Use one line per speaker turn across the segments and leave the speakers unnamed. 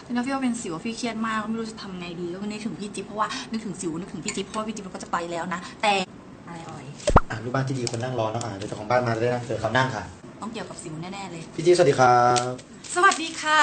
แล้วพี่ว่าเป็นสิวพี่เครียดมากไม่รู้จะทำไงดีก็นึกถึงพี่จิ๊บเพราะว่านึกถึงสิวนึกถึงพี่จิ๊บเพราะว่าพี่จิ๊บก็จะไปแล้วนะแต่อะไรอ่อย
ลูกบ้านที่ดีคนนั่งรอเนาะเดี๋ยวเจ้าของบ้านมาได้นั่งเจอเขานั่งค่ะ
ต้องเกี่ยวกับสิวแน่ๆเลย
พี่จิ๊บสวัสดีครับ
สวัสดีค่ะ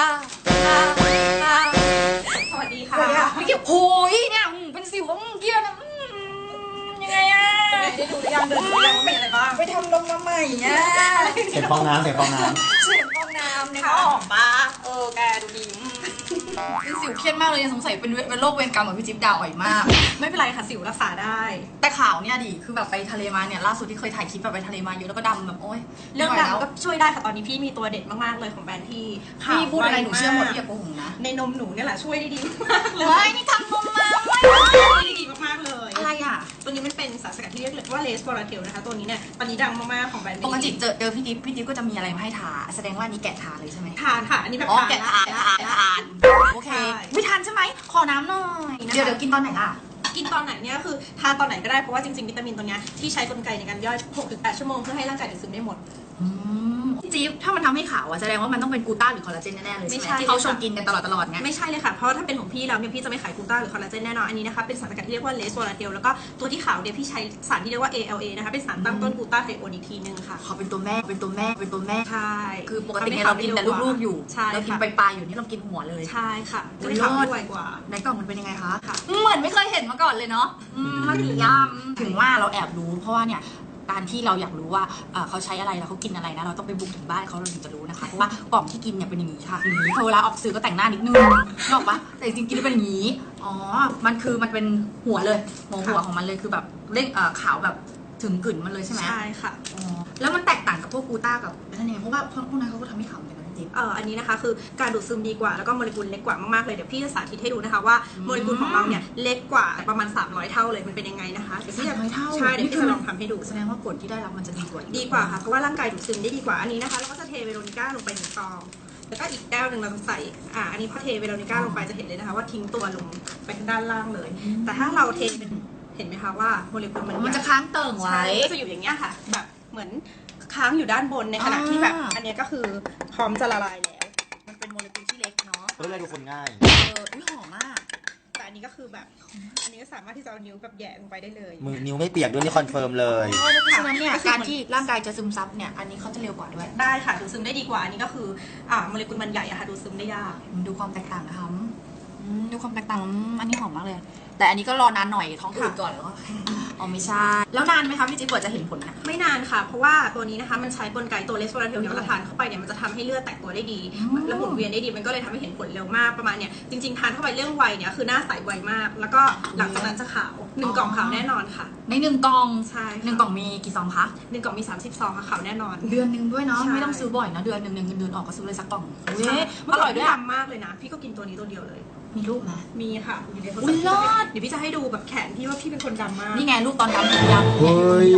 สวัสดีค่ะ
พี่เกี่ยวโอ้ยเนี่ยเป็นสิวเกี่ยวนะยังไงอะ
ได้ดูหรือยังเดินดูยังเป็นอะไรบ้าง
ไปทำลงมาใหม่อะ
เสียงฟองน้ำ
เสียงฟองน้ำเนี่ยเขาออกปะ
แกดูดี
เป็นสิวเครียดมากเลยสงสัยเป็นโรคเวรกรรมเหมือนพี่จิ๊บดาวอ่อยมาก
ไม่เป็นไรค่ะสิวรักษาได้
แต่ข่าวเนี่ยดิคือแบบไปทะเลมาเนี่ยล่าสุดที่เคยถ่ายคลิปแบบไปทะเลมาเยอะแล้วก็ดำแบบโอ๊ย
เรื่องดำก็ช่วยได้ค่ะตอนนี้พี่มีตัวเด็ดมากๆเลยของแบรนด์ที่
พี่พูดอะไรหนูเชื่อหมดพี่อย่าโกหกนะ
ในนมหนูเนี่ยแหละช่วยได้ดีมากเลย
นี่ทำนมมา
ช่วยได้ดีมากๆเลย
อะไรอ่ะ
ตัวนี้มันเป็นสารสกัดที่เรียกว่าเลสบอราเทลนะคะตัวนี้เนี่ยตอนนี้ดังมากๆของแบรนด์
ปกติเจอพี่จิ๊บก็จะมีอะไรมาให้ทาแสดงว่านี้แกะทาเลยใช่ไหม
ทานค่ะอันนี้แบบ
แกะทานโอเคไม่ทานใช่ไหมขอน้ำหน่อยเดี๋ยวกินตอนไหนล่ะ
กินตอนไหนเนี่ยคือทานตอนไหนก็ได้เพราะว่าจริงๆวิตามินตัวนี้ที่ใช้กลไกในการย่อย 6-8 ชั่วโมงเพื่อให้ร่างกายดูดซึมได้หมด
จิ๊บถ้ามันทำให้ขาวแสดงว่ามันต้องเป็นกูต้าหรือคอลลาเจนแน่ๆเลยไม่ใช่ที่เขาชงกินกันตลอดไง
ไม่ใช่เลยค่ะเพราะถ้าเป็นของพี่แล้วเนี่ยพี่จะไม่ขายกูต้าหรือคอลลาเจนแน่นอนอันนี้นะคะเป็นสารสกัดที่เรียกว่าเลสโวลาเทลแล้วก็ตัวที่ขาวเนี่ยพี่ใช้สารที่เรียกว่า ALA นะคะเป็นสารตั้งต้นกูต้าไทโอนอีกทีนึงค่ะ
เขาเป็นตัวแม่
ใช่
คือปกติเรากินแต่ลูกๆอยู่เรากินปลายๆอยู่นี่เรากินหัวเลย
ใช่ค่ะจะได้ขาวไวกว่า
ในกล่องมันเป็นยังไงคะเหมือนไม่เคยเห็นมาก่อนเลยเนาะมันดียำถึงว่าเราแอบรู้เพราะว่าเนี่ยการที่เราอยากรู้ว่าเขาใช้อะไรแล้วเขากินอะไรนะเราต้องไปบุกถึงบ้านเขาเราถึงจะรู้นะคะเพราะว่ากล่องที่กินเนี่ยเป็นอย่างนี้ค่ะอย่างนี้พอเวลาออกสื่อก็แต่งหน้านิดนึงนึกออกปะแต่จริงๆกินเป็นอย่างนี้มันเป็นหัวเลยหัวของมันเลยคือแบบเล่งขาวแบบถึงกลิ่นมันเลยใช่ไหม
ใช่ค่ะ
แล้วมันแตกต่างกับพวกกูต้ากับนั่นเองเพราะว่าพวกนั้นเขาก็ทำให้ขาวเหมือนกัน
อันนี้นะคะคือการดูดซึมดีกว่าแล้วก็โมเลกุลเล็กกว่ามากๆเลยเดี๋ยวพี่จะสาธิตให้ดูนะคะว่าโมเลกุลของเราเนี่ยเล็กกว่าประมาณ300เท่าเลยมันเป็นยังไงนะคะ
300เท่า
ใช่เดี๋ยวพี่จะลองทำให้ดู
แสดงว่าผลที่ได้รับมันจะดีก
ว่าค่ะเพราะว่าร่างกายดูดซึมได้ดีกว่าอันนี้นะคะเราก็จะเทเวโรนิก้าลงไป1 ซองแล้วก็อีกแก้วหนึ่งเราจะใส่อันนี้พอเทเวโรนิก้าลงไปจะเห็นเลยนะคะว่าทิ้งตัวลงไปทางด้านล่างเลยแต่ถ้าเราเทเป็นเห็นไหมคะว่าโมเลกุล
มันจะค้างเติ่งไว้
ก็จะอยู่อย่างเงี้ยค่ะแบบเหมือนค้างอยู่ด้านบนในขณะที่แบบอันนี้ก็คือพร้อมจะละลายแล้ว
มันเป็นโมเลกุลที่เล็กเนาะ
เพื่อให้ดูคนง่าย
หอมมาก
แต่อันนี้ก็คือแบบอันนี้ก็สามารถที่จะเอานิ้วแบบแย่ลงไปได้เลย
มือนิ้วไม่เปียกด้วยนี่คอนเฟิร์มเลย
เพราะฉะนั้นเนี่ยการที่ร่างกายจะซึมซับเนี่ยอันนี้เขาจะเร็วกว่าด้วย
ได้ค่ะดูดซึมได้ดีกว่าอันนี้ก็คือโมเลกุลมันใหญ่อะค่ะดูดซึมได้ยาก
ดูความแตกต่างนะคะดูความแตกต่างอันนี้หอมมากเลยแต่อันนี้ก็รอนานหน่อยท้องอืดก่อนแล้วไม่ใช่แล้วนานไหมคะพี่จิ๊บกว่าจะเห็นผลนะ
ไม่นานค่ะเพราะว่าตัวนี้นะคะมันใช้กลไกตัวเลสโวลาเทลเนี่ยเราทานเข้าไปเนี่ยมันจะทำให้เลือดแตกตัวได้ดีและหมุนเวียนได้ดีมันก็เลยทำให้เห็นผลเร็วมากประมาณเนี่ยจริงๆทานเข้าไปเรื่องวัยเนี่ยคือหน้าใสไวมากแล้วก็หลังจากนั้นจะขาว1 กล่องขาวแน่นอนค่ะ
ใน1 กล่อง
ใช่
1 กล่องมีกี่ซองคะ
1 กล่องมี30 ซองค่ะขาวแน่นอน
เดือนนึงด้วยเนาะไม่ต้องซื้อบ่อยนะเดือนนึงเงินเดือนออกก็ซื้อเลยสักกล่อง
อร่อยด้วยดำมากเลยนะพี่ก็กินตัวนี้ตัวเดียวเลย
มีรูปไหม
มีค่ะเดี๋ยวพี่จะให้ดูแบบแขนพี่ว่าพี่เป็นคนดำมาก
นี่ไงรูปตอนดำผมดำ
เฮ้ย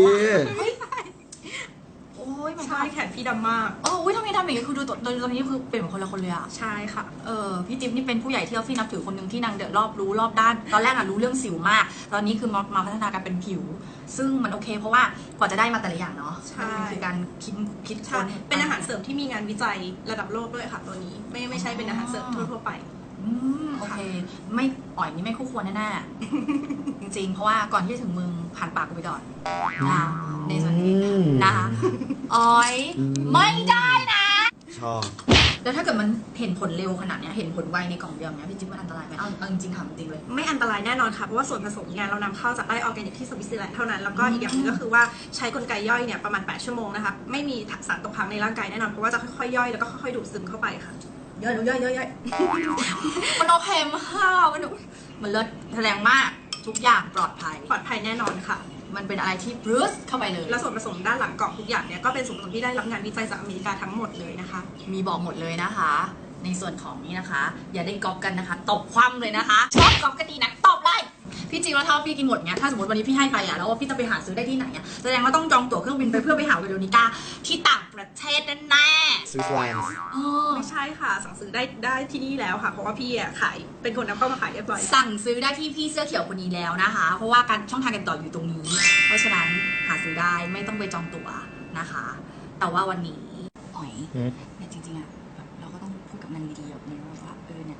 โอ้ย
ใช่แขนพี่ดำมาก
ทำไมดำอย่างนี้คือดูตอนนี้คือเป็นเหมือนคนละคนเลยอะ
ใช่ค่ะ
พี่จิ๊บนี่เป็นผู้ใหญ่ที่เราพี่นับถือคนหนึ่งที่นางเดือดรอบด้านตอนแรกรู้เรื่องสิวมากตอนนี้คือมาพัฒนาการเป็นผิวซึ่งมันโอเคเพราะว่ากว่าจะได้มาแต่ละอย่างเนาะ
ใช่
คือการคิด
ค้นเป็นอาหารเสริมที่มีงานวิจัยระดับโลกด้วยค่ะตัวนี้ไม่ใช่เป็นอาหารเสริมทั่วไป
โอเคไม่นี่ไม่คู่ควรแน่ๆจริงๆเพราะว่าก่อนที่จะถึงมึงผ่านปากกูไปก่อนในส่วนนี้นะคะไม่ได้นะ
ชอบ
แล้วถ้าเกิดมันเห็นผลเร็วขนาดนี้เห็นผลไวในกล่องเดียวเนี้ยพี่จิ๊บมันอันตรายไหมเอาจริงๆถามจริงเลย
ไม่อันตรายแน่นอนค่ะเพราะว่าส่วนผสมเนี่ยเรานำเข้าจากไร่ออร์แกนิกที่สวิตเซอร์แลนด์เท่านั้นแล้วก็อีกอย่างนึงก็คือว่าใช้กลไกย่อยเนี่ยประมาณ8 ชั่วโมงนะคะไม่มีสารตกค้างในร่างกายแน่นอนเพราะว่าจะค่อยๆย่อยแล้วก็ค่อยๆดูดซึมเข้าไปค่ะ
ย่อยมันโอเคมากมันเลิศแถลงมากทุกอย่างปลอดภัย
แน่นอนค่ะ
มันเป็นอะไรที่บรูซเข้าไปเลย
และส่วนผสมด้านหลังกล่องทุกอย่างเนี่ยก็เป็นส่วนผสมที่ได้รับงานวิจัยจากอเมริกาทั้งหมดเลยนะคะ
มีบอกหมดเลยนะคะในส่วนของนี้นะคะอย่าได้ก๊อปกันนะคะตบคว่ำเลยนะคะชอบก๊อปกันดีนะตบเลยพี่จริงแล้วถ้าพี่กินหมดเนี้ยถ้าสมมติวันนี้พี่ให้ไปแล้วพี่จะไปหาซื้อได้ที่ไหนแสดงว่าต้องจองตั๋วเครื่องบินไปเพื่อไปหาเวโรนิก้าที่ต่างประเทศแน่
สวิตเซอร์แลนด์
ไม่ใช่ค่ะสั่งซื้อได้ที่นี่แล้วค่ะเพราะว่าพี่ขายเป็นคนนำเข้ามาขายเรียบร้อย
สั่งซื้อได้ที่พี่เสื้อเขียวคนนี้แล้วนะคะเพราะว่าการช่องทางการต่ออยู่ตรงนี้เพราะฉะนั้นหาซื้อได้ไม่ต้องไปจองตั๋วนะคะแต่ว่าวันนี้เนี่ยจริงๆอะแบบเราก็ต้องพูดกับนางดีๆแบบนี้ว่าเนี่ยถ้านางบอกว่า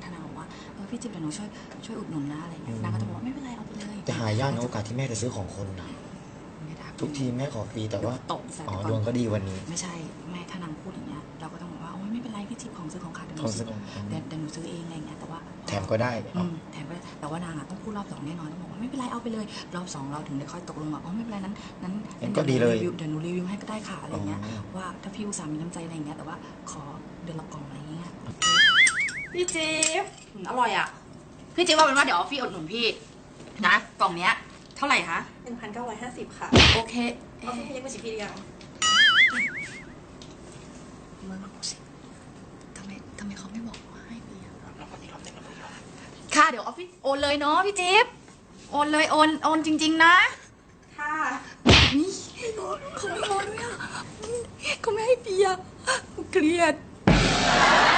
ว่าพี่จิ๊บเดี๋ยวหนูช่วยอุดหนุนนะอะไรเงี้ยนางก็จะบอกว่าไม่เป็นไรเอาไปเลย
จะหายากนะโอกาสที่แม่จะซื้อของคนนะทุกทีแม่ขอฟรีแต่ว่า
ตกใส่
อ๋อ
ไป
ดวง
ก่
ก็
อน
ดีวันนี้
ไม่ใช่แม่ถ้านางพูดอย่างเงี้ยเราก็ต้องบอกว่าโอ้ยไม่เป็นไรพี่จิ๊บของซื้อของขาดเดี๋ยวห
ขอ
นู
งซื้
ซื้
อ
อ
ของ
เดี๋ยวหนูซื้อเองอะไรเงี้ยแต่ว่า
แถมก็ได้
แถมไปแต่ว่านางอ่ะต้องพูดรอบ 2แน่นอนต้องบอกว่าไม่เป็นไรเอาไปเลยรอบ 2เราถึงได้ค่อยตกลงว่าอ๋อไม่เป็นไรนั้น
งั้นก็ดีเลย
เดี๋ยวหนูรีวิวให้ก็ได้ค่ะอะไรเงี้ย
อ๋อ
ว่าถ้าพี่อุตส่าห์มีน้ำใจอะไรเงี้ยแต่ว่าขอเดือนละกล่องอะไรเงี้ยพี่จิ๊บอร่อยอ่ะพี่จิ๊บว่าเป็นว่าเดี๋ยวพี่อุดหนุนพี่นะกล่องเนี้ยเท่าไหร่คะ
1,950 ค่ะ
โอเค
เอาพี่เล็กมาชิมพี่หรือยัง
มึงสิทำไมเขาไม่บอกว่าให้เบียร์ค่ะเดี๋ยวออฟฟิศโอนเลยเนาะพี่จิ๊บโอนเลยโอนจริง ๆ นะ
ค่ะ
นี่เขาไม่โอนด้วยอ่ะเขาไม่ให้เบียร์เกลียด